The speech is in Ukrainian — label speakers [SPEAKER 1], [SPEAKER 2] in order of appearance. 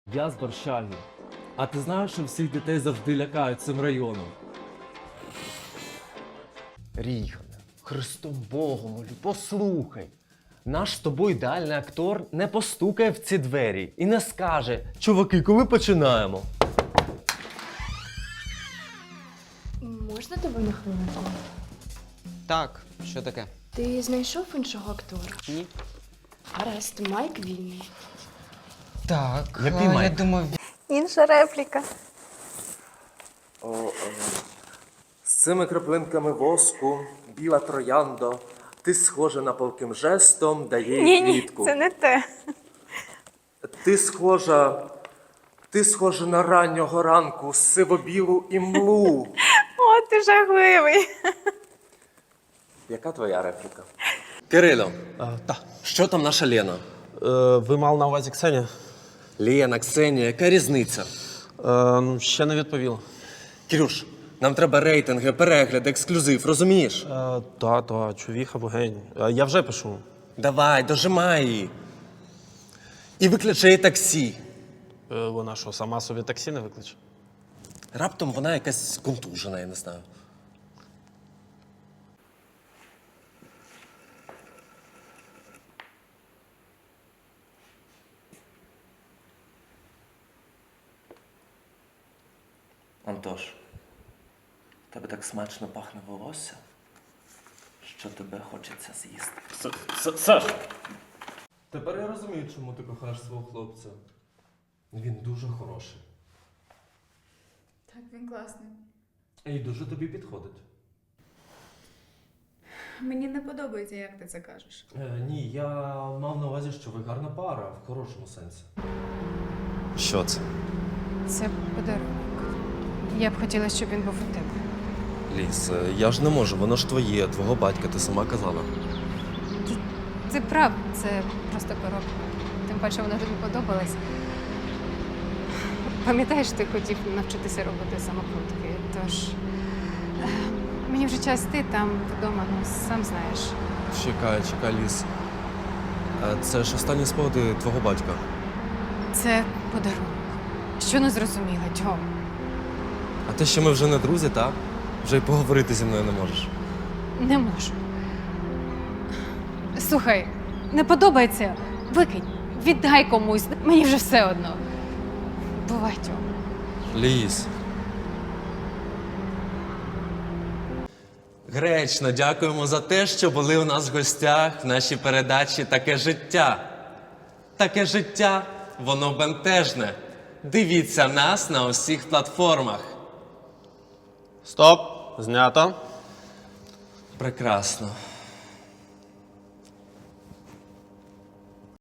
[SPEAKER 1] Я з Борщаги. А ти знаєш, що всіх дітей завжди лякають цим районом?
[SPEAKER 2] Ріхане, Христом Богом молю, послухай. Наш з тобою ідеальний актор не постукає в ці двері і не скаже: чуваки, коли починаємо?
[SPEAKER 3] Можна тебе на хвилинку?
[SPEAKER 4] Так, що таке?
[SPEAKER 3] Ти знайшов іншого актора?
[SPEAKER 4] Ні.
[SPEAKER 3] Гаразд, Майк вільний.
[SPEAKER 4] Так,
[SPEAKER 2] Який
[SPEAKER 4] я
[SPEAKER 2] Майк?
[SPEAKER 4] думаю,
[SPEAKER 5] Інша репліка.
[SPEAKER 1] З цими краплинками воску, біла трояндо, ти схожа на палким жестом, дає їй
[SPEAKER 5] Ні,
[SPEAKER 1] квітку.
[SPEAKER 5] це не те.
[SPEAKER 1] Ти схожа на раннього ранку, сивобілу імлу.
[SPEAKER 5] О, ти жахливий.
[SPEAKER 1] Яка твоя репліка? Кирило,
[SPEAKER 2] Так.
[SPEAKER 1] що там наша Лена?
[SPEAKER 2] Ви мали на увазі Ксенія?
[SPEAKER 1] Лена, Ксенія, яка різниця?
[SPEAKER 2] Ще не відповіла.
[SPEAKER 1] Кирюш, нам треба рейтинги, перегляд, ексклюзив, розумієш?
[SPEAKER 2] Та, чувіха, богень. Я вже пишу.
[SPEAKER 1] Давай, дожимай її. І викличе таксі.
[SPEAKER 2] Вона що, сама собі таксі не викличе?
[SPEAKER 1] Раптом вона якась контужена, я не знаю. Антош, тебе так смачно пахне волосся, що тебе хочеться з'їсти.
[SPEAKER 6] Саш!
[SPEAKER 1] Тепер я розумію, чому ти кохаєш свого хлопця. Він дуже хороший.
[SPEAKER 7] Так, він класний.
[SPEAKER 1] І дуже тобі підходить.
[SPEAKER 7] Мені не подобається, як ти це кажеш.
[SPEAKER 1] Ні, я мав на увазі, що ви гарна пара, в хорошому сенсі.
[SPEAKER 2] Що це?
[SPEAKER 8] Це подарунок. Я б хотіла, щоб він був у тебе.
[SPEAKER 1] Ліс, я ж не можу, воно ж твоє, твого батька, ти сама казала.
[SPEAKER 8] Ти прав, це просто коробка. Тим паче вона тобі подобалась. Пам'ятаєш, ти хотів навчитися робити самокрутки, тож мені вже час йти там вдома, ну сам знаєш.
[SPEAKER 1] Чекай, Ліс. Це ж останні спогади твого батька.
[SPEAKER 8] Це подарунок. Що не зрозуміла, Тьом?
[SPEAKER 1] А те, що ми вже не друзі, так? Вже й поговорити зі мною не можеш.
[SPEAKER 8] Не можу. Слухай, не подобається? Викинь, віддай комусь, мені вже все одно. Бувай, Тьом.
[SPEAKER 1] Ліс. Гречно, дякуємо за те, що були у нас в гостях в нашій передачі «Таке життя». Таке життя, воно бентежне. Дивіться нас на усіх платформах.
[SPEAKER 2] Стоп! Знято.
[SPEAKER 1] Прекрасно.